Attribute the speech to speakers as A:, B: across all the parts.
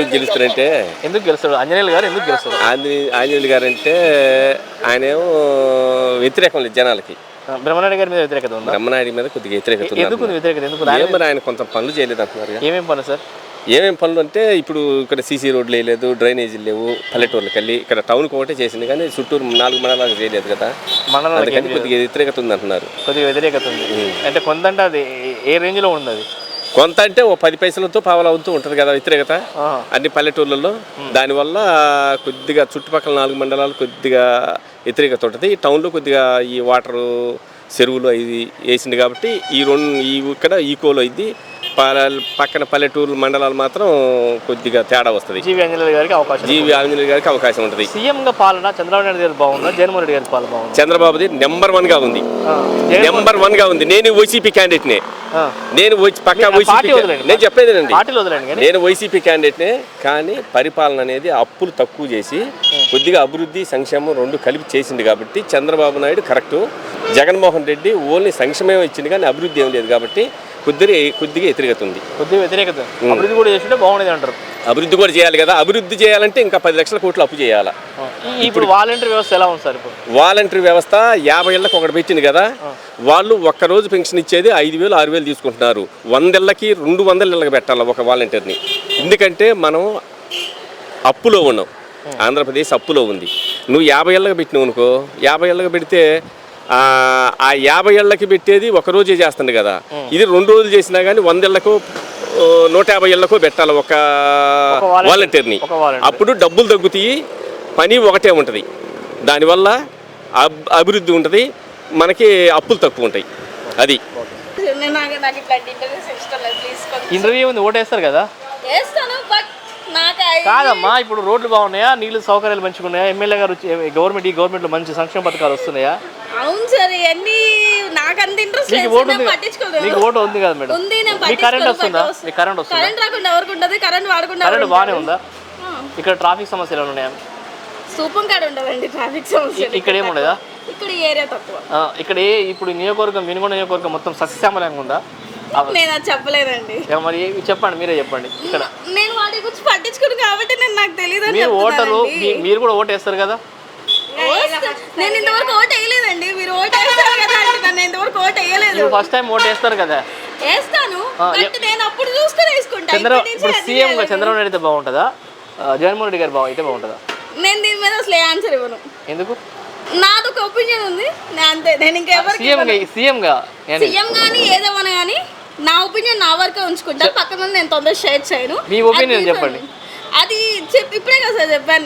A: ఎందుకు గెలుస్తారంటే
B: ఎందుకు గెలుస్తాడు ఆంజనేయులు గారు ఎందుకు గెలుస్తారు?
A: ఆంజనేయులు గారు అంటే ఆయనేమో వ్యతిరేకం లేదు జనాలకి.
B: బ్రహ్మనాయుడు గారి మీద వ్యతిరేకత ఉందా?
A: బ్రహ్మనాయుడు మీద కొద్దిగా వ్యతిరేకత
B: ఎందుకు
A: ఉంది.
B: వ్యతిరేకత ఎందుకు?
A: మరి ఆయన కొంత పనులు చేయలేదు అంటున్నారు.
B: ఏమేమి పనులు సార్?
A: ఏమేమి పనులు అంటే ఇప్పుడు ఇక్కడ సీసీ రోడ్లు వేయలేదు, డ్రైనేజీలు లేవు, పల్లెటూర్లకు వెళ్ళి ఇక్కడ టౌన్కి ఒకటే చేసింది కానీ చుట్టూరు 4 మండలాలకు చేయలేదు కదా. అందుకని కొద్దిగా వ్యతిరేకత ఉంది అంటున్నారు.
B: కొద్దిగా వ్యతిరేకత ఉంది అంటే కొంత అంటే అది ఏ రేంజ్లో ఉంది? అది
A: కొంత అంటే ఓ 10 పైసలతో పావలా అవుతూ ఉంటుంది కదా వ్యతిరేకత అన్ని పల్లెటూర్లలో. దానివల్ల కొద్దిగా చుట్టుపక్కల 4 మండలాలు కొద్దిగా వ్యతిరేకత ఉంటుంది. ఈ టౌన్లో కొద్దిగా ఈ వాటరు చెరువులు అవి వేసింది కాబట్టి ఇక్కడ ఈకోలో ఇది పక్కన పల్లెటూరు మండలాలు మాత్రం కొద్దిగా తేడా వస్తుంది.
B: జీవి ఆంజనేయులు
A: గారికి అవకాశం ఉంటుంది.
B: సీఎంగా పాలన చంద్రబాబు నాయుడు గారి బాగుందా, జగన్మోహన్ రెడ్డి గారి పాలన బాగుంది?
A: చంద్రబాబుది నెంబర్ 1 గా ఉంది. నెంబర్ 1 గా ఉంది. నేను వైసీపీ క్యాండిడేట్నే. నేను చెప్పేదేనండి, నేను వైసీపీ క్యాండిడేట్నే. కానీ పరిపాలన అనేది అప్పులు తక్కువ చేసి కొద్దిగా అభివృద్ధి సంక్షేమం 2 కలిపి చేసింది కాబట్టి చంద్రబాబు నాయుడు కరెక్టు. జగన్మోహన్ రెడ్డి ఓన్లీ సంక్షేమం ఇచ్చింది కానీ అభివృద్ధి ఏం లేదు కాబట్టి కొద్దిగా వ్యతిరేకత ఉంది.
B: అభివృద్ధి కూడా చేస్తుంటే బాగుండేది అంటారు.
A: అభివృద్ధి కూడా చేయాలి కదా. అభివృద్ధి చేయాలంటే ఇంకా 10 లక్షల కోట్లు అప్పు చేయాలి.
B: ఇప్పుడు వాలంటరీ వ్యవస్థ ఎలా ఉంది సార్? ఇప్పుడు
A: వాలంటరీ వ్యవస్థ 50 ఏళ్ళకి ఒకటి పెట్టింది కదా. వాళ్ళు ఒక్కరోజు పెన్షన్ ఇచ్చేది 5,000 6,000 తీసుకుంటున్నారు. 100 ఏళ్ళకి 200 ఏళ్ళకి పెట్టాలి ఒక వాలంటీర్ని. ఎందుకంటే మనం అప్పులో ఉన్నాం. ఆంధ్రప్రదేశ్ అప్పులో ఉంది. నువ్వు 50 ఏళ్ళకి పెట్టినావు అనుకో, 50 ఏళ్ళకి పెడితే ఆ 50 ఏళ్ళకి పెట్టేది ఒకరోజే చేస్తుంది కదా. ఇది 2 రోజులు చేసినా కానీ 100 ఏళ్ళకో 150 ఏళ్ళకో పెట్టాలి ఒక వాలంటీర్ని. అప్పుడు డబ్బులు తగ్గుతాయి, పని ఒకటే ఉంటుంది. దానివల్ల అభివృద్ధి ఉంటుంది, మనకి అప్పులు తక్కువ ఉంటాయి. అది
B: ఇంటర్వ్యూ ఉంది. ఓటేస్తారు కదా? కాదమ్మా, ఇప్పుడు రోడ్లు బాగున్నాయా, నీళ్ళు సౌకర్యాలు మంచిగా ఉన్నాయా, ఎమ్మెల్యే గారు గవర్నమెంట్లో మంచి సంక్షేమ పథకాలు వస్తున్నాయా?
C: అవును సార్, ఇవన్నీ నాకు అంత ఇంట్రెస్ట్ లేదు.
B: మీకు ఓటు ఉంది కదా మేడం?
C: ఉంది.
B: కరెంట్ వస్తుందా?
C: కరెంట్ రాకుండా ఎవరికి ఉంటుంది? కరెంట్ వాడకుండా
B: కరెంట్ బాగానే ఉందా? ఇక్కడ ట్రాఫిక్ సమస్యలు ఉన్నాయా?
C: సూపం కాడ ఉండదండి ట్రాఫిక్ సమస్య.
B: ఇక్కడ ఏముండదా?
C: ఇక్కడ ఏరియా తక్కువ.
B: ఇక్కడ ఇప్పుడు నియోజకవర్గం వినుగొండ నియోజకవర్గం మొత్తం సస్యశ్యామలంగా ఉందా?
C: నేను అది చెప్పలేదండి.
B: మరి చెప్పండి, మీరే చెప్పండి. ఇక్కడ
C: నేను వాటి గురించి పట్టించుకుని కాబట్టి నాకు తెలియదు.
B: మీరు ఓటరు, మీరు కూడా ఓటు వేస్తారు కదా?
C: నేను ఇంతవరకు ఓటు వేయలేదండి. మీరు ఓటు వేస్తారు కదా అంటే నేను ఇంతవరకు ఓటు వేయలేదు.
B: ఫస్ట్ టైం ఓటు వేస్తారు కదా?
C: వేస్తాను, నేను అప్పుడు చూసుకుని వేసుకుంటా.
B: ఇప్పుడు సీఎం గా చంద్రబాబు నాయుడు అయితే బాగుంటుందా, జగన్మోహన్ రెడ్డి గారు అయితే బాగుంటుందా?
C: నేను దీని మీద అసలు ఏ ఆన్సర్ ఇవ్వను.
B: ఎందుకు?
C: నాది ఒక ఒపీనియన్ ఉంది అంతే. నేను ఇంకెవరు
B: సీఎం
C: కానీ ఏదేమన్నా కానీ నా ఒపీనియన్ నా వరకే ఉంచుకుంటా. పక్కన నేను తొందరగా షేర్ చేయను.
B: మీ ఒపీనియన్ చెప్పండి.
C: అది ఇప్పుడే కదా సార్ చెప్పాను.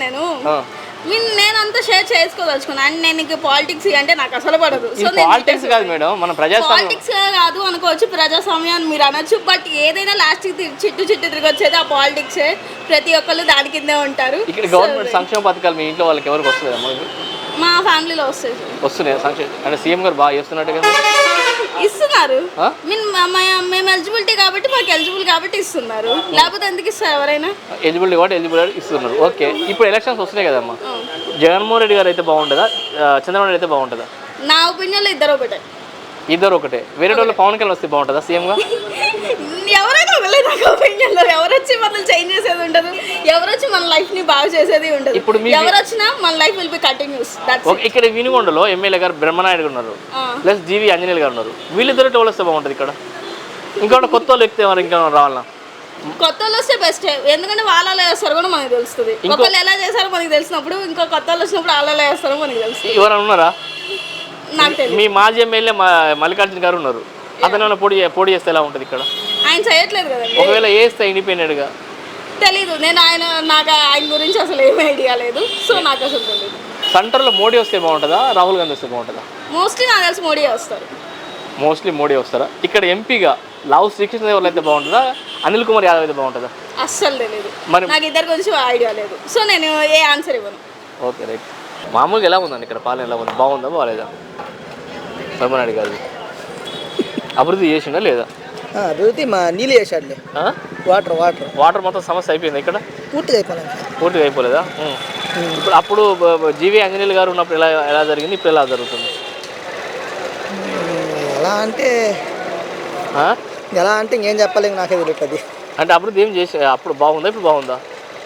C: నేను అంతా షేర్ చేసుకోదలుచుకున్నాను. అండ్ నేను ఇంకా పాలిటిక్స్ అంటే నాకు అసలు పడదు. సో
B: పాలిటిక్స్ కాదు మేడం, మన
C: పాలిటిక్స్ కాదు అనుకోవచ్చు, ప్రజాస్వామ్యాన్ని మీరు అనొచ్చు. బట్ ఏదైనా లాస్ట్ చిట్టు తిరిగి వచ్చేది ఆ పాలిటిక్స్. ప్రతి ఒక్కళ్ళు దాని కిందే ఉంటారు.
B: ఇక్కడ గవర్నమెంట్ సంక్షేమ పథకాలు మీ ఇంట్లో వాళ్ళకి ఎవరికి వస్తుందా?
C: మా ఫ్యామిలీలో
B: వస్తున్నాయి సంక్షేమ. అంటే సీఎం గారు బాగా చేస్తున్నట్టు కదా?
C: ఇస్తున్నారు. మేము ఎలిజిబిలిటీ కాబట్టి మాకు ఎలిజిబుల్ కాబట్టి ఇస్తున్నారు. లేకపోతే ఎందుకు ఇస్తారు? ఎవరైనా
B: ఎలిజిబిలిటీ కాబట్టి ఎలిజిబిలిటీ ఇస్తున్నారు. ఓకే, ఇప్పుడు ఎలక్షన్స్ వస్తున్నాయి కదమ్మా, జగన్మోహన్ రెడ్డి గారు అయితే బాగుంటుందా, చంద్రబాబు నాయుడు అయితే బాగుంటుందా?
C: నా ఒపీనియన్లో ఇద్దరు ఒకటే. వేరే వాళ్ళు పవన్ కళ్యాణ్ వస్తే బాగుంటుందా సీఎంగా? ఎవరైనా ఒకలే నాకు ఒపీనియన్లో. ఎవరు వచ్చి మనల్ని చేంజ్ చేసేది ఉండదు, ఎవరు వచ్చి మన లైఫ్ ని బాగా చేసేది ఉండదు. ఇప్పుడు ఎవరు వచ్చినా మన లైఫ్ విల్ బి కంటిన్యూస్.
B: ఇక్కడ వినుగొండలో ఎమ్మెల్యే గారు బ్రహ్మనాయుడు గారు ఉన్నారు, ప్లస్ జీవి ఆంజనేయులు గారు ఉన్నారు. వీళ్ళిద్దరు వాళ్ళు వస్తే బాగుంటుంది. ఇక్కడ ఇంకోటి కొత్త వాళ్ళు ఎక్కితే మరి ఇంకా రావాలన్నా?
C: కొత్త వాళ్ళు వస్తే బెస్ట్. ఎందుకంటే వాళ్ళు ఎలా చేస్తారో కూడా మనకు తెలుస్తుంది. ఒకళ్ళు ఎలా చేస్తారో మనకి తెలిసినప్పుడు ఇంకో కొత్త వాళ్ళు వచ్చినప్పుడు వాళ్ళు ఎలా చేస్తారో మనకి తెలుస్తుంది.
B: ఎవరైనా ఉన్నారా?
C: నాకు తెలియదు.
B: మీ మాజీ ఎమ్మెల్యే మల్లికార్జున గారు ఉన్నారు. అతను పోటీ చేస్తే ఎలా ఉంటుంది ఇక్కడ?
C: ఆయన చేయట్లేదు కదా.
B: ఒకవేళ వేస్తే ఇండిపెండెంట్ గా
C: తెలీదు. నాకు ఆయన గురించి అసలు ఏమీ ఐడియా లేదు. సో నాకు అసలు తెలియదు.
B: సెంటర్లో మోడీ వస్తే బాగుంటుందా, రాహుల్ గాంధీ వస్తే బాగుంటుందా?
C: మోస్ట్లీ నాకు తెలిసి మోడీ వస్తారు.
B: మోస్ట్లీ మోడీ వస్తారా? ఇక్కడ ఎంపీగా లావు శ్రీకృష్ణదేవరాయలు అయితే బాగుంటుందా, అనిల్ కుమార్ యాదవ్ అయితే బాగుంటుందా?
C: అస్సలు తెలియదు. నాకు ఇద్దరి గురించి ఐడియా లేదు. సో నేను ఏ ఆన్సర్ ఇవ్వను.
B: Okay, right. మామూలుగా ఎలా ఉందండి ఇక్కడ పాలన? ఎలా ఉంది? బాగుందా బాగాలేదా? బ్రహ్మనాయుడు గారు అభివృద్ధి చేసిండా లేదా?
D: అభివృద్ధి మా నీళ్ళు చేశాడులే.
B: వాటర్ మొత్తం సమస్య అయిపోయింది ఇక్కడ? పూర్తిగా అయిపోలేదా? ఇప్పుడు అప్పుడు జీవి ఆంజనేయులు గారు ఉన్నప్పుడు ఎలా జరిగింది, ఇప్పుడు ఎలా జరుగుతుంది?
D: ఎలా అంటే ఇంకేం చెప్పలేము, నాకే తెలియదు.
B: అంటే అభివృద్ధి ఏం చేసి అప్పుడు బాగుందా, ఇప్పుడు బాగుందా?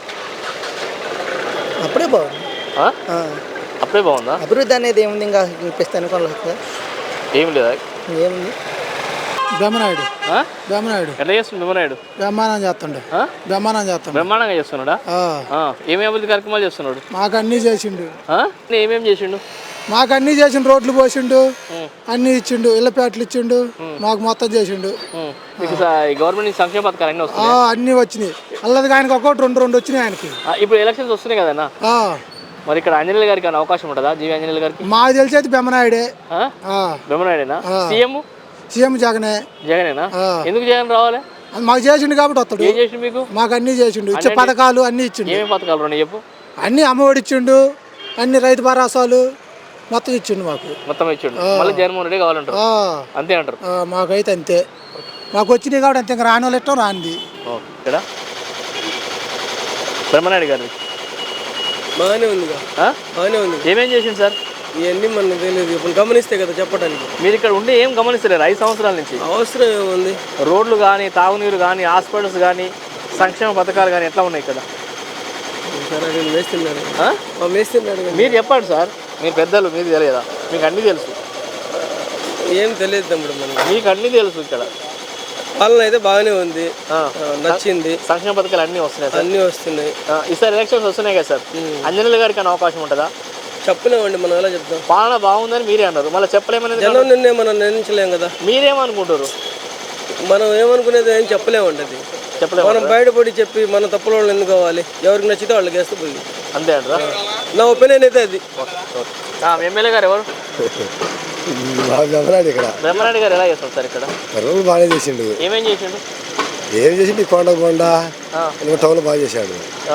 D: అప్పుడే బాగుంది.
B: ఆ? అప్పుడే బాగుందా?
D: అభివృద్ధి అనేది ఏముంది ఇంకా ఇప్పిస్తే అనుకోలేదు.
B: ఏం లేదా?
D: ఏముంది
E: బ్రహ్మనాయుడు
B: ఆ?
E: బ్రహ్మనాయుడు
B: ఎట్లా చేస్తుంది బ్రహ్మనాయుడు?
E: బ్రహ్మాండం చేస్తుండే
B: ఆ?
E: బ్రహ్మాండం చేస్తుండే.
B: బ్రహ్మాండంగా చేస్తున్నాడా? ఏమేమి అభివృద్ధి కార్యక్రమాలు చేస్తున్నాడు?
E: మాకు అన్నీ చేసిండు.
B: ఆ? ఏమేమి చేసిండు?
E: మాకు అన్నీ చేసిండు. రోడ్లు పోసిండు, అన్నీ ఇచ్చిండు, ఇళ్ళపేటలు ఇచ్చిండు, మాకు మొత్తం చేసిండు.
B: మీకు గవర్నమెంట్ నుంచి సంక్షేమ పథకాలు అన్నీ వస్తున్నాయి?
E: అన్నీ వచ్చినాయి. అల్లది ఆయనకి ఒకటి రెండు వచ్చినాయి ఆయనకి.
B: ఇప్పుడు ఎలక్షన్స్ వస్తున్నాయి కదన్నా, మరి ఇక్కడ ఆంజనేయులు గారికి అనే అవకాశం ఉంటుందా? జీవి ఆంజనేయులు గారికి?
E: మాకు తెలిసేది బ్రహ్మనాయుడే.
B: బ్రహ్మనాయుడేనా? సీఎం
E: జగనే.
B: జగనేనా? ఎందుకు జగన్ రావాలి?
E: మాకు చేసిండు కాబట్టి వస్తాడు.
B: ఏం చేసిండు మీకు?
E: మాకు అన్నీ చేసిండు. ఇచ్చే పథకాలు అన్నీ ఇచ్చిండు.
B: ఏమేమి పథకాలు ఉన్నాయి చెప్పు?
E: అన్నీ అమ్మఒడి ఇచ్చిండు, అన్ని రైతు భరోసాలు మొత్తం ఇచ్చిండు. మాకు
B: మొత్తం ఇచ్చిండు. మళ్ళీ జగన్మోహన్ రెడ్డి కావాలంటారు, అంతే అంటారు?
E: మాకైతే అంతే. మాకు వచ్చినాయి కాబట్టి అంతే. ఇంకా రాని వాళ్ళు ఇష్టం రానిది.
B: ఇక్కడ బ్రహ్మనాయుడు గారు
D: బాగానే ఉంది, బాగానే ఉంది.
B: ఏమేం చేసిండు సార్?
D: ఇవన్నీ మనకు తెలియదు, ఇప్పుడు గమనిస్తే కదా చెప్పడానికి.
B: మీరు ఇక్కడ ఉండి ఏం గమనిస్తలేరు 5 సంవత్సరాల నుంచి?
D: అవసరం ఏముంది?
B: రోడ్లు కానీ, తాగునీరు కానీ, హాస్పిటల్స్ కానీ, సంక్షేమ పథకాలు కానీ ఎట్లా ఉన్నాయి ఇక్కడ?
D: వేస్తున్నాడు.
B: మీరు చెప్పండి సార్, మీరు పెద్దలు, మీకు తెలియదా? మీకు అన్నీ తెలుసు.
D: ఏం తెలియదు తమ్ముడు, మనకి
B: మీకు అన్నీ తెలుసు. ఇక్కడ
D: పాలన అయితే బాగానే ఉంది, నచ్చింది.
B: సంక్షేమ పథకాలు అన్నీ వస్తున్నాయి,
D: అన్నీ వస్తున్నాయి.
B: ఈసారి ఎలక్షన్స్ వస్తున్నాయి కదా సార్, ఆంజనేయులు గారికి అనే అవకాశం ఉంటుందా?
D: చెప్పలేమండి, మనం ఎలా చెప్తాం?
B: పాలన బాగుందని మీరే అన్నారు, మళ్ళీ చెప్పలేమనేది
D: జనం నిన్నే మనం నిర్ణయించలేం కదా.
B: మీరేమనుకుంటారు?
D: మనం ఏమనుకునేది ఏం చెప్పలేమండి. అది
B: చెప్పలేము.
D: మనం బయటపడి చెప్పి మన తప్పుల వాళ్ళు ఎందుకు కావాలి? ఎవరికి నచ్చితే వాళ్ళకి వేస్తే పోయి
B: అంతే అంటారా?
D: నా ఒపీనియన్ అయితే అది.
B: ఎమ్మెల్యే గారు ఎవరు?
F: బ్రహ్మనాయుడు. ఇక్కడ
B: బ్రహ్మనాయుడు గారు ఎలా చేస్తారు సార్? ఇక్కడ
F: రోడ్లు బాగానే చేసిండు.
B: ఏమేం చేసిండు?
F: ఏం చేసిండు? కొండ టౌన్ బాగా చేశాడు.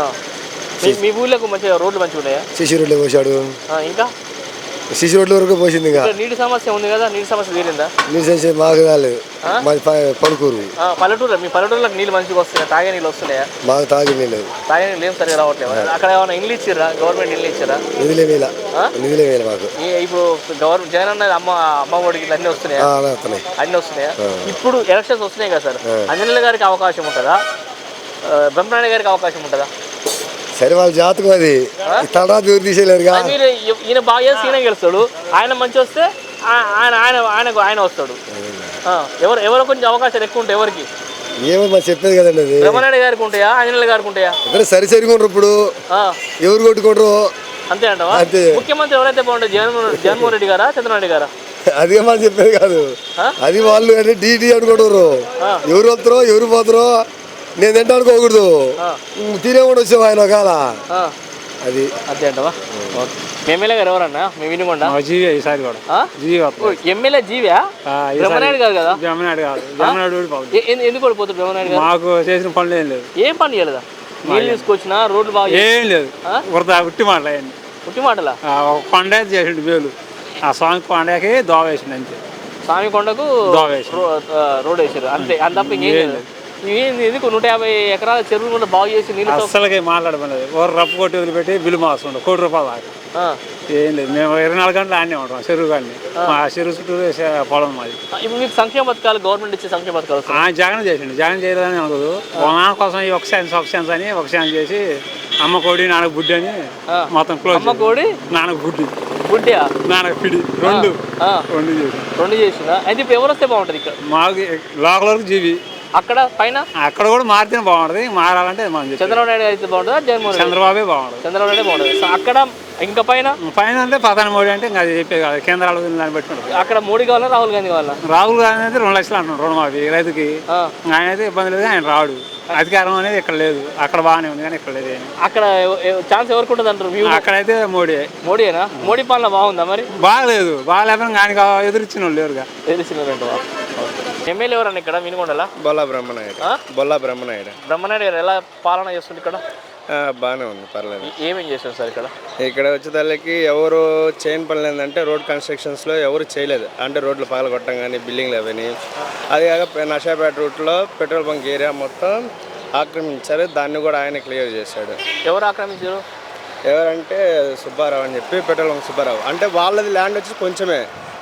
B: మీ ఊళ్ళకు మంచిగా రోడ్లు మంచిగా ఉన్నాయా?
F: సిసి రోడ్లు పోసాడు.
B: ఇంకా
F: సిసి రోడ్ల వరకు పోసింది. ఇంకా
B: నీటి సమస్య ఉంది కదా, నీటి సమస్య తీరిందా?
F: నీళ్ళు మాకు కాలేదు, మాది పలుకూరు.
B: పల్లెటూరు. మీ పల్లెటూరులకు నీళ్ళు మంచిగా వస్తున్నాయా? తాగే నీళ్ళు వస్తున్నాయా?
F: మాకు తాగి నీళ్ళు
B: తాగే నీళ్ళు ఏం సరిగా రావట్లేదు. అక్కడ ఏమైనా ఇల్లు ఇచ్చిర్రా? గవర్నమెంట్ ఇల్లు ఇచ్చారా?
F: నిధులే వేయాలి మాకు.
B: ఇప్పుడు గవర్నమెంట్ జగన్ అన్నది అమ్మ ఒడికి అన్నీ వస్తున్నాయా? అన్నీ వస్తున్నాయా? ఇప్పుడు ఎలక్షన్స్ వస్తున్నాయి కదా సార్, ఆంజనేయులు గారికి అవకాశం ఉంటుందా? బ్రహ్మనాయుడు గారికి అవకాశం ఉంటుందా?
F: సరే, వాళ్ళ జాతకం అది. తలరాత ఎవరు తీసేయలేరుగా.
B: మీరు ఈయన బాగా చేసి ఈయన గెలుస్తాడు, ఆయన మంచి వస్తే ఆయన వస్తాడు. ఎవరో కొంచెం అవకాశాలు ఎక్కువ ఉంటాయి. ఎవరికి?
F: ఏమో మరి చెప్పేది కదండి. అది
B: బ్రహ్మనాయుడు గారికి ఉంటాయా, ఆంజనేయులు గారికి ఉంటాయా?
F: ఇద్దరు సరికొంటారు. ఇప్పుడు ఎవరు కొట్టుకుంటారు?
B: అంతే అంటావా? ముఖ్యమంత్రి ఎవరైతే బాగుంటుంది? జగన్మోహన్ రెడ్డి గారా, చంద్రబాబు నాయుడు గారా?
F: అదే మనం చెప్పేది కాదు. అది వాళ్ళు అంటే డీటీ అనుకుంటారు. ఎవరు వస్తారో ఎవరు పోతారో నేను తింటా అనుకోకూడదు. తినే కూడా వచ్చావు ఆయన ఒకవేళ. అది
B: అంతే అంటవా? ఎమ్మెల్యే గారు ఎవరన్నా? మేము వినుకొండ
E: జీవి ఈసారి కూడా
B: ఎమ్మెల్యే జీవా? బ్రహ్మనాయుడు గారు కదా?
E: బ్రహ్మనాయుడు కాదు, బ్రహ్మనాయుడు.
B: ఎందుకు ఓడిపోతాడు బ్రహ్మనాయుడు గారు?
E: మాకు చేసిన పనులు ఏం లేదు.
B: ఏం పని చేయలేదా? నీళ్ళు తీసుకొచ్చినా, రోడ్లు బాగా
E: ఏం లేదు. ఉట్టి మాటలు అయ్యండి.
B: ఉట్టి మాటలా?
E: కొండ చేసిండు వేలు. ఆ స్వామి కొండకి దోవ వేసిండు అంతే.
B: స్వామి కొండకు రోడ్ వేసారు అంతే, అంత తప్ప ఇంకేం లేదు. ఎందుకు 150 ఎకరాల చెరువులు కూడా బాగు చేసి నీళ్ళు
E: అసలుగా మాట్లాడమలేదు. ఓరు రప్పు కొట్టి వదిలిపెట్టి బిల్లు మాస్తుండే ₹1 కోటి దాకా. ఏం లేదు, మేము 24 గంటలు ఆడనే ఉంటాం చెరువు కానీ. మా చెరువు చుట్టూ పొలం మాది.
B: ఇప్పుడు మీకు సంక్షేమ పథకాలు, గవర్నమెంట్ ఇచ్చే సంక్షేమ పథకాలు
E: జగన్ చేసిండు. జగన్ చేయలేదని అనుకోదు. నాన్న కోసం ఈ ఒక ఛాన్స్ అని ఒక ఛాన్స్ చేసి అమ్మ కోడి నాన్నకు బుడ్డి అని మొత్తం క్లోజ్.
B: అమ్మ కోడి నాన్నకు బుడ్డియా నాన్నకు పిడి రెండు చేసిందా? అయితే ఇప్పుడు ఎవరు వస్తే బాగుంటుంది? ఇక్కడ
E: మాకు లోకల్ వరకు జీవి,
B: అక్కడ పైన
E: అక్కడ కూడా మారితేనే బాగుంటుంది. మారాలంటే
B: చంద్రబాబు నాయుడు అయితే బాగుంటుందా, జగన్మోహన్?
E: చంద్రబాబే బాగుంటుంది.
B: చంద్రబాబు నాయుడు బాగుంటుంది. అక్కడ ఇంకా పైన
E: అంటే ప్రధాని మోడీ అంటే ఇంకా అది చెప్పేది కాదు, కేంద్రాలు దాన్ని పెట్టుకుంటారు.
B: అక్కడ మోడీ కావాలా, రాహుల్ గాంధీ కావాలా?
E: రాహుల్ గాంధీ అయితే 2 లక్షలు అంటున్నాడు రుణమాఫీ రైతుకి. ఆయన అయితే ఇబ్బంది లేదు, ఆయన రాడు. అధికారం అనేది ఇక్కడ లేదు, అక్కడ బాగానే ఉంది కానీ ఇక్కడ లేదు.
B: అక్కడ ఛాన్స్ ఎవరికి ఉంటుంది అంటారు?
E: అక్కడైతే
B: మోడీయేనా? మోడీ పాలన బాగుందా? మరి
E: బాగలేదు. బాగాలేకపోయినా ఆయనకి ఎదురిచ్చిన వాళ్ళు లేరుగా.
B: ఎదురిచ్చినారంట. ఎమ్మెల్యే ఎవరన్నా ఇక్కడ వినుకొండలా?
A: బొల్లా బ్రహ్మనాయుడు.
B: బ్రహ్మనాయుడు గారు ఎలా పాలన చేస్తుంది ఇక్కడ?
A: బాగానే ఉంది, పర్లేదు.
B: ఏమేం చేస్తారు సార్ ఇక్కడ?
A: ఇక్కడ వచ్చేదానికి ఎవరు చేయని పనులు ఏంటంటే రోడ్ కన్స్ట్రక్షన్స్లో ఎవరు చేయలేదు. అంటే రోడ్లు పగలగొట్టడం కానీ, బిల్డింగ్లు అవన్నీ. అది కాక నషాపేట రూట్లో పెట్రోల్ బంక్ ఏరియా మొత్తం ఆక్రమించారు. దాన్ని కూడా ఆయన క్లియర్ చేశాడు.
B: ఎవరు ఆక్రమించారు?
A: ఎవరంటే సుబ్బారావు అని చెప్పి, పెట్రోల్ బంక్ సుబ్బారావు. అంటే వాళ్ళది ల్యాండ్ వచ్చి కొంచెమే,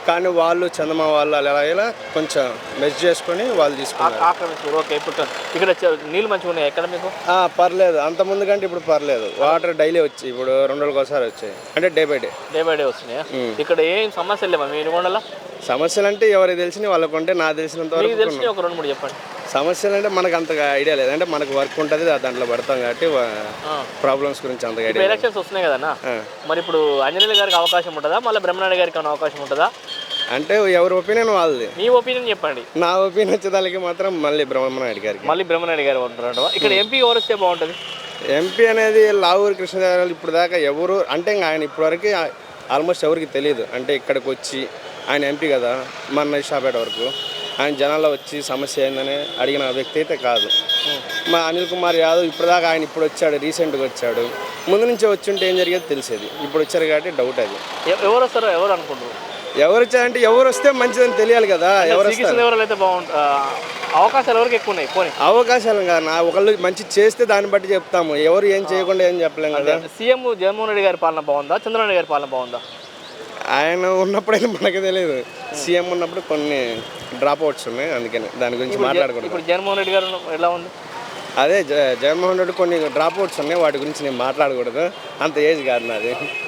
D: కానీ వాళ్ళు చందమా వాళ్ళు అలా ఇలా కొంచెం మెజ్ చేసుకొని వాళ్ళు తీసుకున్నారు.
B: ఆక్రమించారు. ఓకే, ఇప్పుడు ఇక్కడ నీళ్ళు మంచిగా ఉన్నాయి ఎక్కడ మీకు?
D: పర్లేదు, అంత ముందు కంటే ఇప్పుడు పర్లేదు. వాటర్ డైలీ వచ్చి ఇప్పుడు 2 రోజులకు ఒకసారి వచ్చాయి, అంటే డే బై డే
B: వస్తున్నాయా? ఇక్కడ ఏం సమస్యలు లేవా మీ ఇనుగొండలో?
D: సమస్యలు అంటే ఎవరికి తెలిసిన వాళ్ళకు ఉంటే నాకు తెలిసినంత
B: మీకు
D: వరకు
B: తెలిసి ఒక 2-3 చెప్పండి.
D: సమస్యలు అంటే మనకు అంతగా ఐడియా లేదు, అంటే మనకు వర్క్ ఉంటుంది దాంట్లో పడతాం కాబట్టి ప్రాబ్లమ్స్ గురించి అంతగా
B: ఇప్పుడు
D: ఐడియా.
B: ఎలక్షన్స్ వస్తున్నాయి కదన్నా, మరి ఇప్పుడు అంజనేయులు గారికి అవకాశం ఉంటుందా, మళ్ళీ బ్రహ్మనాయుడు గారికి ఏమైనా అవకాశం ఉంటుందా?
D: అంటే ఎవరి ఒపీనియన్ వాళ్ళది.
B: మీ ఒపీనియన్ చెప్పండి.
D: నా ఒపీనియన్ వచ్చేదానికి మాత్రం మళ్ళీ బ్రహ్మనాయుడు గారికి.
B: మళ్ళీ బ్రహ్మనాయుడు గారు ఉంటారు. ఇక్కడ ఎంపీ ఎవరు వస్తే బాగుంటుంది?
D: ఎంపీ అనేది లావూరి కృష్ణదేవరాయలు ఇప్పుడు దాకా ఎవరు అంటే ఇంకా ఆయన ఇప్పటివరకు ఆల్మోస్ట్ ఎవరికి తెలియదు. అంటే ఇక్కడికి వచ్చి ఆయన ఎంపీ కదా, మన షాపేట వరకు ఆయన జనాల్లో వచ్చి సమస్య ఏందని అడిగిన వ్యక్తి అయితే కాదు. మా అనిల్ కుమార్ యాదవ్ ఇప్పటిదాకా ఆయన ఇప్పుడు వచ్చాడు, రీసెంట్గా వచ్చాడు. ముందు నుంచే వచ్చి ఉంటే ఏం జరిగేది తెలిసేది. ఇప్పుడు వచ్చారు కాబట్టి డౌట్ అది.
B: ఎవరు వస్తారో ఎవరు అనుకుంటారు?
D: ఎవరు వచ్చారంటే ఎవరు వస్తే మంచిదని తెలియాలి కదా. ఎవరు
B: అయితే బాగుంటుంది. అవకాశాలు ఎవరికి ఎక్కువ ఉన్నాయి? పోనీ
D: అవకాశాలు కాదు, ఒకళ్ళు మంచి చేస్తే దాన్ని బట్టి చెప్తాము. ఎవరు ఏం చేయకుండా ఏం చెప్పలేము కదా.
B: సీఎం జగన్మోహన్ రెడ్డి గారి పాలన బాగుందా, చంద్రబాబు నాయుడు గారి పాలన బాగుందా?
D: ఆయన ఉన్నప్పుడైతే మనకు తెలియదు. సీఎం ఉన్నప్పుడు కొన్ని డ్రాప్ అవుట్స్ ఉన్నాయి, అందుకని దాని గురించి మాట్లాడకూడదు.
B: ఇప్పుడు జగన్మోహన్ రెడ్డి గారు ఎలా ఉంది?
D: అదే జగన్మోహన్ రెడ్డి కొన్ని డ్రాప్ అవుట్స్ ఉన్నాయి, వాటి గురించి నేను మాట్లాడకూడదు, అంత ఏజ్ కాదు నాది.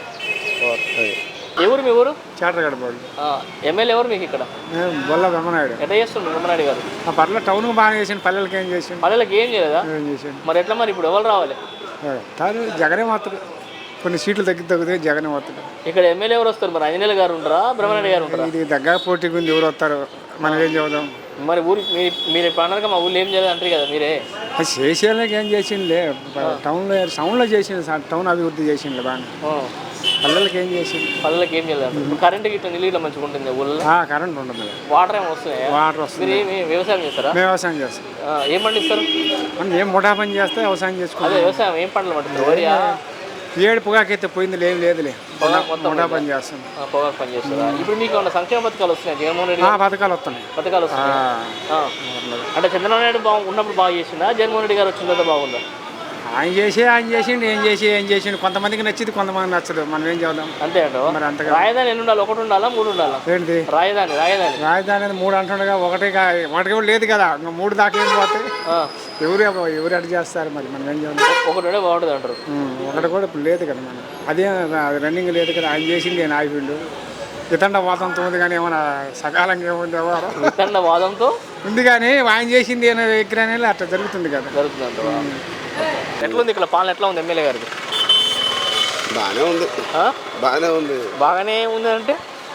B: ఎవరు మీ ఊరు?
E: చాటగడపాడు.
B: ఎమ్మెల్యే ఎవరు మీకు ఇక్కడ?
E: బొల్ల బ్రహ్మనాయుడు.
B: ఎట్లా చేస్తుండ్రు బ్రహ్మనాయుడు గారు?
E: పర్లేదు, టౌన్కి బాగా చేసిండు, పల్లెలకి ఏం చేసిండు?
B: పల్లెలకి ఏం చేయలేదా?
E: ఏం చేసిండు
B: మరి ఎట్లా మరి ఇప్పుడు ఎవరు రావాలి?
E: కాదు, జగనే మాత్రం కొన్ని సీట్లు తగ్గితే జగనే వస్తాడు.
B: ఇక్కడ ఎమ్మెల్యే ఎవరు వస్తారు? మరి అంజనేయులు గారు ఉంటారా, బ్రహ్మనాయుడు గారు ఉంటారా?
E: ఇది దగ్గర పోటీ గురించి ఎవరు వస్తారు, మనం ఏం చెబుదాం?
B: మరి ఊరి మీరు పండగ మా ఊళ్ళో ఏం చేయలేదు అంటారు కదా మీరే.
E: అది చేసేళ్ళకి ఏం చేసిండులే, టౌన్లో చేసిండు, టౌన్ అభివృద్ధి చేసిండు బాగా. పల్లెలకి ఏం చేసిండు?
B: పల్లెలకి ఏం చేయలేదు. కరెంట్ గిట్ల నీళ్ళు మంచిగా ఉంటుంది ఊళ్ళో?
E: కరెంట్ ఉంటుంది,
B: వాటర్ ఏమి వస్తున్నాయి?
E: వాటర్ వస్తుంది.
B: మీరు ఏమి వ్యవసాయం చేస్తారా?
E: వ్యవసాయం చేస్తాం.
B: ఏం పండిస్తారు?
E: మనం ఏం ముఠా పని చేస్తే వ్యవసాయం చేసుకుంటాం.
B: అదే వ్యవసాయం ఏం పంటలు పండిస్తారు? వరియా?
E: ఏడు పొగాకైతే పోయింది, లేదులే, ముఠా పని చేస్తాం.
B: పొగాకు పని చేస్తారా? ఇప్పుడు మీకు ఏమన్నా సంక్షేమ పథకాలు వస్తున్నాయి జగన్మోహన్ రెడ్డి?
E: పథకాలు వస్తున్నాయి.
B: పథకాలు వస్తున్నాయి. అంటే చంద్రబాబు నాయుడు ఉన్నప్పుడు బాగా చేసిందా, జగన్మోహన్ రెడ్డి గారు వచ్చిన తర్వాత బాగుందా?
E: ఆయన చేసిండు, ఏం చేసిండు. కొంతమందికి నచ్చింది, కొంతమంది నచ్చదు, మనం ఏం చేద్దాం.
B: అంతే అంట.
E: మరి అంతగా
B: రాజధాని ఎన్ని ఉండాలి? 1 ఉండాలా, 3 ఉండాలా?
E: ఏంటి
B: రాజధాని?
E: రాజధాని 3 అంటుండగా, ఒకటి కూడా లేదు కదా, ఇంకా 3 దాకా ఏం పోతాయి. ఎవరు అటు చేస్తారు, మరి మనం ఏం చేద్దాం.
B: ఒకటి బాగుంటుంది అంటారు.
E: ఒకటి కూడా ఇప్పుడు లేదు కదా, మనం అదే రన్నింగ్ లేదు కదా. ఆయన చేసింది నేను ఆగిపోయిండు. వితండ వాదంతో ఉంది కానీ ఏమన్నా సకాలంగా ఏముంది ఎవరు
B: వితండ వాదంతో
E: ఉంది కానీ ఆయన చేసింది అనే విగ్రహం అట్లా జరుగుతుంది కదా.
B: జరుగుతుంది. ఎట్లుంది ఇక్కడ పాలన? ఎట్లా ఉంది ఎమ్మెల్యే గారికి?
F: బాగానే ఉంది.
B: బాగానే ఉంది అంటే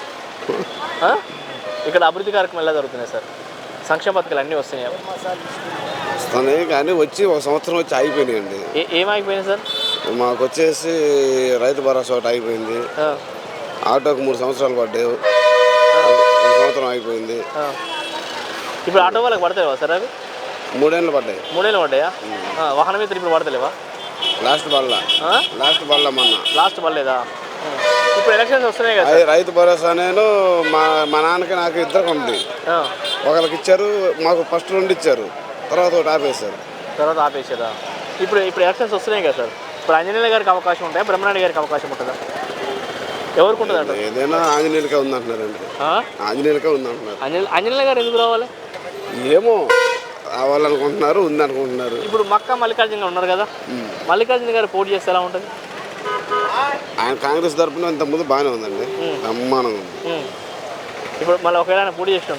B: ఇక్కడ అభివృద్ధి కార్యక్రమం ఎలా జరుగుతున్నాయి సార్? సంక్షేమ పథకాలు అన్నీ వస్తున్నాయి?
F: వస్తున్నాయి కానీ వచ్చి 1 సంవత్సరం వచ్చి అయిపోయినాయండి.
B: ఏమైపోయినాయి సార్?
F: మాకు వచ్చేసి రైతు భరోసా ఒకటి అయిపోయింది, ఆటోకి 3 సంవత్సరాలు పడ్డాయి, 1 సంవత్సరం అయిపోయింది.
B: ఇప్పుడు ఆటో వాళ్ళకి పడతాయి సార్? అవి
F: 3 ఏళ్ళు పడ్డాయి.
B: 3 ఏళ్ళు పడ్డాయా? వాహనం మీద ఇప్పుడు పడతలేవా?
F: లాస్ట్ బల్ల మొన్న
B: లాస్ట్ పడలేదా? ఇప్పుడు ఎలక్షన్స్ వస్తున్నాయి కదా.
F: రైతు భరోసా నేను మా నాన్నకి నాకు ఇద్దరికి ఉంది. ఒకరికి ఇచ్చారు, మాకు ఫస్ట్ 2 ఇచ్చారు, తర్వాత ఒకటి
B: ఆపేసారా? ఇప్పుడు ఎలక్షన్స్ వస్తున్నాయి కదా సార్. ఇప్పుడు అంజనేయులు గారికి అవకాశం ఉంటాయా, బ్రహ్మనాయుడు గారికి అవకాశం ఉంటుందా? ఎవరికి ఉంటుంది అంటే?
F: ఏదైనా ఆంజనేయులకే ఉందంటున్నారండి. ఆంజనేయులకే ఉందంటున్నారు.
B: అంజనేయులు గారు ఎందుకు రావాలి?
F: ఏమో రావాలనుకుంటున్నారు, ఉందనుకుంటున్నారు.
B: ఇప్పుడు మక్కా మల్లికార్జున ఉన్నారు కదా, మల్లికార్జున గారు పోటీ చేస్తే ఎలా ఉంటుంది?
F: ఆయన కాంగ్రెస్ తరఫున ఇంతకుముందు బాగానే ఉందండి, బ్రహ్మాండంగా ఉంది.
B: ఇప్పుడు మళ్ళీ ఒకవేళ ఆయన పోటీ చేసిన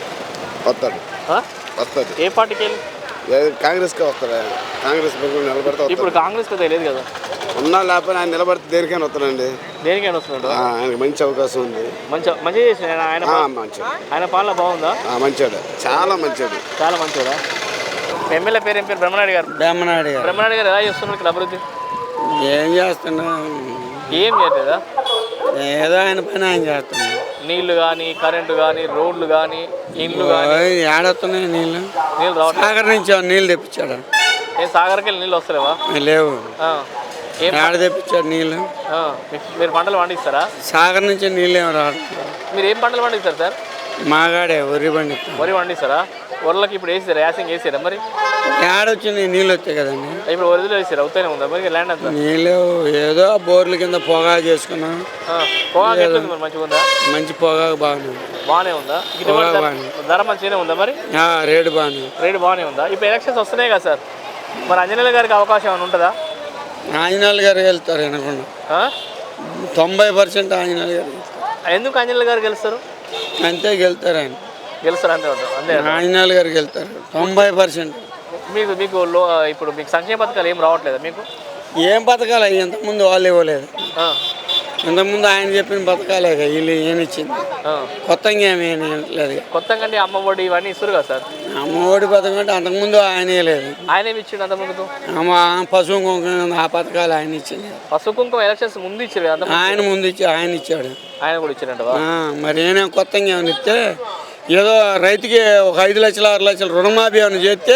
F: వస్తాడు.
B: ఏ పార్టీకి వెళ్ళి?
F: కాంగ్రెస్కే వస్తాడు. కాంగ్రెస్ నిలబడితే
B: ఇప్పుడు కాంగ్రెస్ తెలియదు కదా,
F: ఉన్నా లేకపోయినా ఆయన నిలబడితే దేనికైనా వస్తాడండి.
B: దేనికైనా వస్తున్నాడు.
F: ఆయనకి మంచి అవకాశం ఉంది.
B: మంచిగా చేసిన ఆయన పాలన బాగుందా?
F: మంచివాడు, చాలా మంచివాడా.
B: ఎమ్మెల్యే పేరు ఏం పేరు? బ్రహ్మనాయుడు గారు. బ్రహ్మనాయుడు గారు ఎలా చేస్తున్నారు ఇక్కడ అభివృద్ధి?
G: ఏం చేస్తున్నా,
B: ఏం చేయలేదా?
G: ఏదో ఆయన పని ఆయన చేస్తున్నాడు.
B: నీళ్లు కానీ, కరెంటు కానీ, రోడ్లు కానీ, ఇండ్లు కానీ
G: ఏడొస్తున్నాయి నీళ్ళు
B: రావట్లేదు.
G: సాగర్ నుంచి నీళ్ళు తెప్పించాడు.
B: సాగర్కి వెళ్ళి నీళ్ళు వస్తలేవా?
G: లేవు. ఏడ తెప్పించాడు నీళ్ళు?
B: మీరు పంటలు పండిస్తారా?
G: సాగర్ నుంచి నీళ్ళు ఏమి రావడం.
B: మీరు ఏం పంటలు పండిస్తారు సార్?
G: మాగాడే వరి పండిస్తారా?
B: వరలకి ఇప్పుడు వేసారా యాసింగ్ వేసారా మరి
G: ఏడొచ్చింది నీళ్ళు వచ్చాయి కదండి.
B: ఇప్పుడు వరదలు వేసారు అవుతానే ఉందా మరి ల్యాండ్ అంతా
G: నీళ్ళు ఏదో బోర్ల కింద పొగా చేసుకున్నాం.
B: పొగాకు ఎట్లుంది మరి మంచిగా ఉందా?
G: మంచి పొగాకు బాగానే ఉంది.
B: బాగానే ఉందా? గిట్టుబాటు ధర మంచిగానే ఉందా మరి?
G: రేటు బాగానే
B: రేటు బాగానే ఉందా? ఇప్పుడు ఎలక్షన్స్ వస్తున్నాయి కదా సార్, మరి ఆంజనేయులు గారికి అవకాశం ఏమైనా ఉంటుందా?
G: ఆంజనేయులు గారు వెళ్తారు అనుకున్నా. 90% ఆంజనేయులు గారు.
B: ఎందుకు ఆంజనేయులు గారు గెలుస్తారు?
G: అంతే గెలుతారు ఆయన.
B: గెలుస్తారు అంతే ఉంటారు అంతే.
G: ఆంజనేయులు గారు గెలుతారు 90%.
B: మీకు మీకు ఇప్పుడు మీకు సంక్షేమ పథకాలు ఏం రావట్లేదా మీకు?
G: ఏం పథకాలు అవి ఇంతకుముందు వాళ్ళు ఇవ్వలేదు. ఇంతకుముందు ఆయన చెప్పిన పథకాలే వీళ్ళు ఏమి ఇచ్చింది. కొత్తగా ఏమీ లేదు.
B: కొత్తగా అంటే అమ్మ ఒడి ఇవన్నీ ఇస్తారు కదా సార్.
G: అమ్మ ఒడి పథకం అంటే అంతకుముందు ఆయన లేదు.
B: ఆయన ఏమి ఇచ్చిండు అంతకుముందు?
G: పశువు కుంకుమ ఆ పథకాలు ఆయన ఇచ్చింది.
B: పశువు కుంకుమ ఎలక్షన్స్ ముందు ఇచ్చారు కదా
G: ఆయన ముందు ఆయన ఇచ్చాడు.
B: ఆయన కూడా ఇచ్చారంట.
G: మరి ఏమైనా కొత్తగా ఏమైనా ఇస్తే ఏదో రైతుకి ఒక 5 లక్షలు 6 లక్షలు రుణమాఫీ ఏమైనా చేస్తే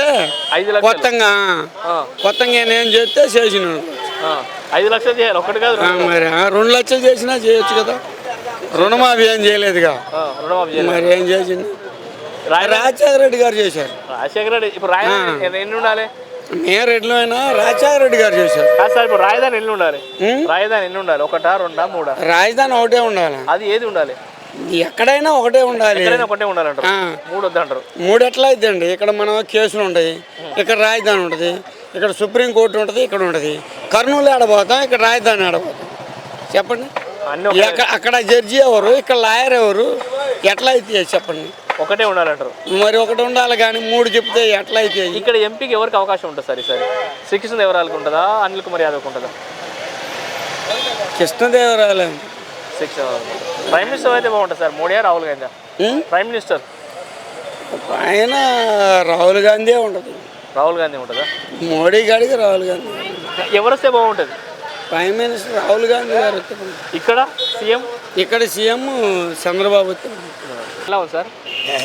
G: కొత్తగా ఏం చేస్తే చేసినాడు.
B: 5 లక్షలు చేయాలి ఒకటి కాదు
G: మరి 2 లక్షలు చేసినా చేయొచ్చు కదా. రుణమాఫీ ఏం చేయలేదుగా. మరి ఏం చేసింది? రాజశేఖర రెడ్డి గారు చేశారు.
B: రాజశేఖర రెడ్డి ఇప్పుడు రాజధాని ఎన్ని ఉండాలి?
G: మేము రెడ్డిలో అయినా రాజశేఖర రెడ్డి గారు చేశారు.
B: కాదు సార్, ఇప్పుడు రాజధాని ఎన్ని ఉండాలి? రాజధాని ఎన్ని ఉండాలి? 1, 2, 3?
G: రాజధాని ఒకటే ఉండాలి.
B: అది ఏది ఉండాలి?
G: ఎక్కడైనా ఒకటే ఉండాలి.
B: ఒకటే ఉండాలంటారు. 3 వద్దంటారు.
G: 3 ఎట్లా అయిద్దండి? ఇక్కడ మనం కేసులు ఉంటాయి, ఇక్కడ రాజధాని ఉంటుంది, ఇక్కడ సుప్రీంకోర్టు ఉంటుంది, ఇక్కడ ఉంటుంది. కర్నూలు ఆడబోతాం, ఇక్కడ రాజధాని ఆడబోతాం. చెప్పండి. అక్కడ జడ్జి ఎవరు, ఇక్కడ లాయర్ ఎవరు? ఎట్లా అయితే చెప్పండి.
B: ఒకటే ఉండాలంటారు.
G: మరి ఒకటి ఉండాలి కానీ 3 చెప్తే ఎట్లా అయితే?
B: ఇక్కడ ఎంపీకి ఎవరికి అవకాశం ఉంటుంది సార్ ఈసారి? శ్రీకృష్ణదేవరాయలకు ఉంటుందా, అనిల్ కుమార్ యాదవ్కి ఉంటుందా?
G: కృష్ణదేవరాయలు.
B: ప్రైమ్ మినిస్టర్ అయితే బాగుంటుంది sir. Modi Rahul Gandhi? Prime minister
G: ఆయన రాహుల్ గాంధీ ఉంటుంది.
B: రాహుల్ గాంధీ ఉంటుందా?
G: మోడీ గారికి రాహుల్ గాంధీ.
B: ఎవరు వస్తే బాగుంటుంది?
G: ప్రైమ్ మినిస్టర్ రాహుల్ గాంధీ గారు.
B: ఇక్కడ సీఎం?
G: ఇక్కడ సీఎం చంద్రబాబు.
B: ఎలా ఉంది సార్?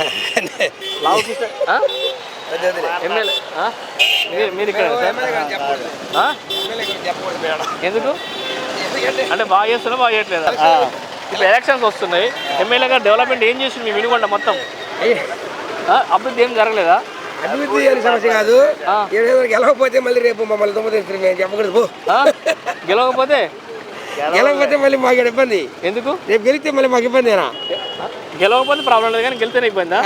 B: ఎమ్మెల్యే మీరు ఇక్కడ ఎందుకు అంటే బాగా చేస్తున్నా బాగా చేయట్లేదా? ఇప్పుడు ఎలక్షన్స్ వస్తున్నాయి, ఎమ్మెల్యే గారు డెవలప్మెంట్ ఏం చేసింది మీ వినుకొండ మొత్తం? అభివృద్ధి ఏం జరగలేదా?
H: అభివృద్ధి అనే సమస్య కాదు. గెలవకపోతే మళ్ళీ రేపు మమ్మల్ని చెప్పకూడదు.
B: గెలవకపోతే
H: మళ్ళీ మాకు ఇబ్బంది.
B: ఎందుకు?
H: రేపు గెలిస్తే మళ్ళీ మాకు ఇబ్బందేనా?
B: గెలవకపోతే ప్రాబ్లం లేదు కానీ గెలితేనే ఇబ్బందా?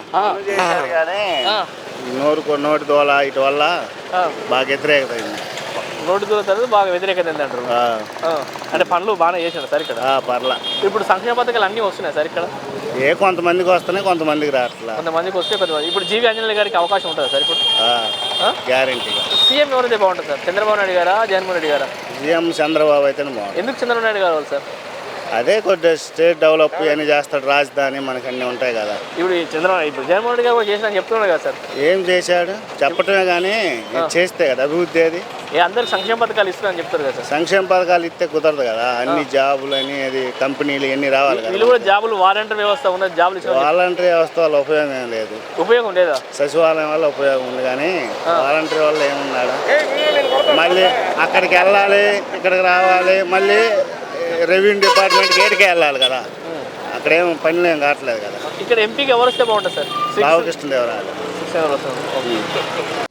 I: నోటి దోల ఇటు వల్ల బాగా వ్యతిరేకత అయింది.
B: నోటి దూరం తర్వాత బాగా వ్యతిరేకత అంటారు. అంటే పనులు బాగానే చేశారు సార్ ఇక్కడ?
I: పర్లా.
B: ఇప్పుడు సంక్షేమ పథకాలు అన్నీ వస్తున్నాయి సార్ ఇక్కడ?
I: కొంతమందికి వస్తున్నాయి, కొంతమందికి రావట్లా.
B: కొంతమందికి వస్తే కొంతమంది. ఇప్పుడు జీవి ఆంజనేయులు గారికి అవకాశం ఉంటుందా సార్ ఇప్పుడు?
I: గ్యారెంటీగా.
B: సీఎం ఎవరైతే బాగుంటుంది సార్? చంద్రబాబు నాయుడు గారా, జగన్మోహన్ రెడ్డి గారా?
I: సీఎం చంద్రబాబు అయితేనే బాగుంటుంది.
B: ఎందుకు చంద్రబాబు నాయుడు గారు సార్?
I: అదే కొద్దిగా స్టేట్ డెవలప్ అని చేస్తాడు, రాజధాని మనకు అన్నీ ఉంటాయి కదా.
B: ఇప్పుడు జగన్మోహన్ రెడ్డి గారు చేసిన చెప్తున్నాడు కదా సార్.
I: ఏం చేశాడు చెప్పటమే కానీ చేస్తే కదా అభివృద్ధి. అది
B: అందరికి సంక్షేమ పథకాలు ఇస్తున్నారని చెప్తారు కదా సార్.
I: సంక్షేమ పథకాలు ఇస్తే కుదరదు కదా. అన్ని జాబులు అని అది కంపెనీలు ఇవన్నీ రావాలి కదా.
B: వీళ్ళు కూడా జాబులు వాలంటీర్ వ్యవస్థ ఉన్నది. జాబులు
I: వాలంటీర్ వ్యవస్థ వల్ల ఉపయోగం ఏం లేదు.
B: ఉపయోగం లేదా?
I: సచివాలయం వల్ల ఉపయోగం ఉంది కానీ వాలంటీర్ వల్ల ఏమున్నాడు? మళ్ళీ అక్కడికి వెళ్ళాలి, ఇక్కడికి రావాలి, మళ్ళీ రెవెన్యూ డిపార్ట్మెంట్కి ఏడికి వెళ్ళాలి కదా. అక్కడేం పనులు ఏం కావట్లేదు కదా.
B: ఇక్కడ ఎంపీకి ఎవరు వస్తే బాగుంటుంది సార్?
I: రామకృష్ణదేవరాయలు.